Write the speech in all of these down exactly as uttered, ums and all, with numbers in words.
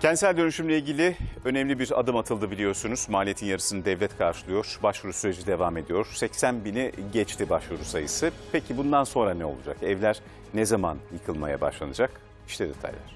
Kentsel dönüşümle ilgili önemli bir adım atıldı biliyorsunuz. Maliyetin yarısını devlet karşılıyor. Başvuru süreci devam ediyor. seksen bini geçti başvuru sayısı. Peki bundan sonra ne olacak? Evler ne zaman yıkılmaya başlanacak? İşte detaylar.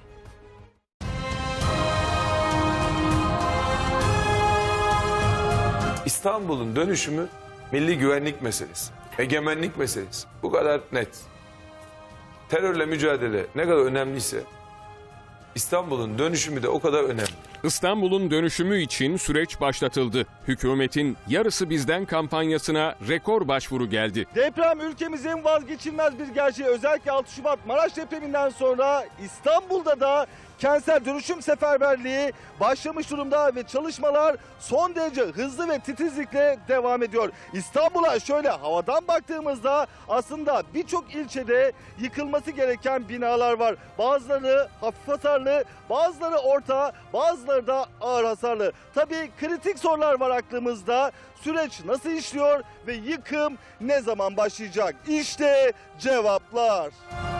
İstanbul'un dönüşümü milli güvenlik meselesi, egemenlik meselesi. Bu kadar net. Terörle mücadele ne kadar önemliyse İstanbul'un dönüşümü de o kadar önemli. İstanbul'un dönüşümü için süreç başlatıldı. Hükümetin Yarısı Bizden kampanyasına rekor başvuru geldi. Deprem ülkemizin vazgeçilmez bir gerçeği. Özellikle altı Şubat Maraş depreminden sonra İstanbul'da da kentsel dönüşüm seferberliği başlamış durumda ve çalışmalar son derece hızlı ve titizlikle devam ediyor. İstanbul'a şöyle havadan baktığımızda aslında birçok ilçede yıkılması gereken binalar var. Bazıları hafif hasarlı, bazıları orta, bazıları da ağır hasarlı. Tabii kritik sorular var aklımızda. Süreç nasıl işliyor ve yıkım ne zaman başlayacak? İşte cevaplar.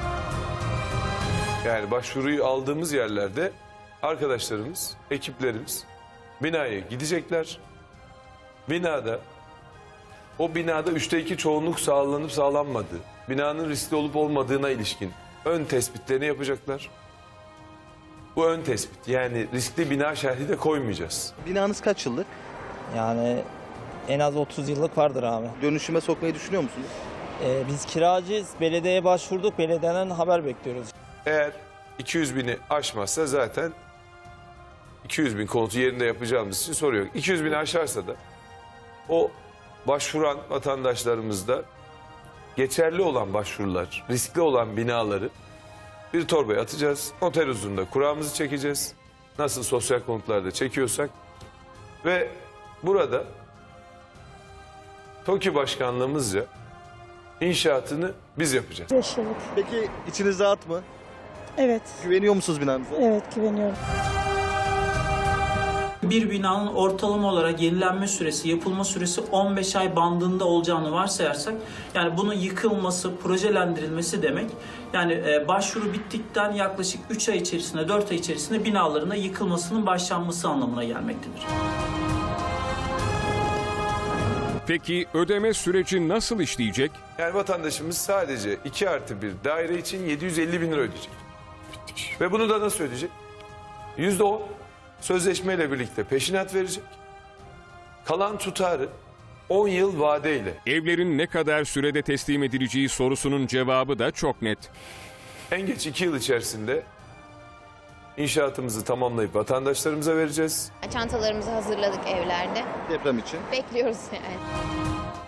Yani başvuruyu aldığımız yerlerde arkadaşlarımız, ekiplerimiz binaya gidecekler. Binada, o binada üçte iki çoğunluk sağlanıp sağlanmadığı, binanın riskli olup olmadığına ilişkin ön tespitlerini yapacaklar. Bu ön tespit, yani riskli bina şerhi de koymayacağız. Binanız kaç yıllık? Yani en az otuz yıllık vardır abi. Dönüşüme sokmayı düşünüyor musunuz? Ee, biz kiracıyız. Belediyeye başvurduk. Belediyeden haber bekliyoruz. Eğer iki yüz bini aşmazsa zaten iki yüz bin konutu yerinde yapacağımız için soru yok. iki yüz bini aşarsa da o başvuran vatandaşlarımızda geçerli olan başvurular, riskli olan binaları bir torbaya atacağız. Noter huzurunda kuramızı çekeceğiz. Nasıl sosyal konutlarda çekiyorsak. Ve burada TOKİ başkanlığımızca inşaatını biz yapacağız. beş yıllık. Peki içiniz rahat mı? Evet, Güveniyor musunuz binanıza? evet güveniyorum. Bir binanın ortalama olarak yenilenme süresi, yapılma süresi on beş ay bandında olacağını varsayarsak, yani bunun yıkılması, projelendirilmesi demek, yani e, başvuru bittikten yaklaşık üç ay içerisinde, dört ay içerisinde binaların da yıkılmasının başlanması anlamına gelmektedir. Peki ödeme süreci nasıl işleyecek? Yani vatandaşımız sadece iki artı bir daire için yedi yüz elli bin lira ödeyecek. Ve bunu da nasıl ödeyecek? yüzde on sözleşmeyle birlikte peşinat verecek. Kalan tutarı on yıl vadeyle. Evlerin ne kadar sürede teslim edileceği sorusunun cevabı da çok net. En geç iki yıl içerisinde inşaatımızı tamamlayıp vatandaşlarımıza vereceğiz. Çantalarımızı hazırladık evlerde. Deprem için. Bekliyoruz yani.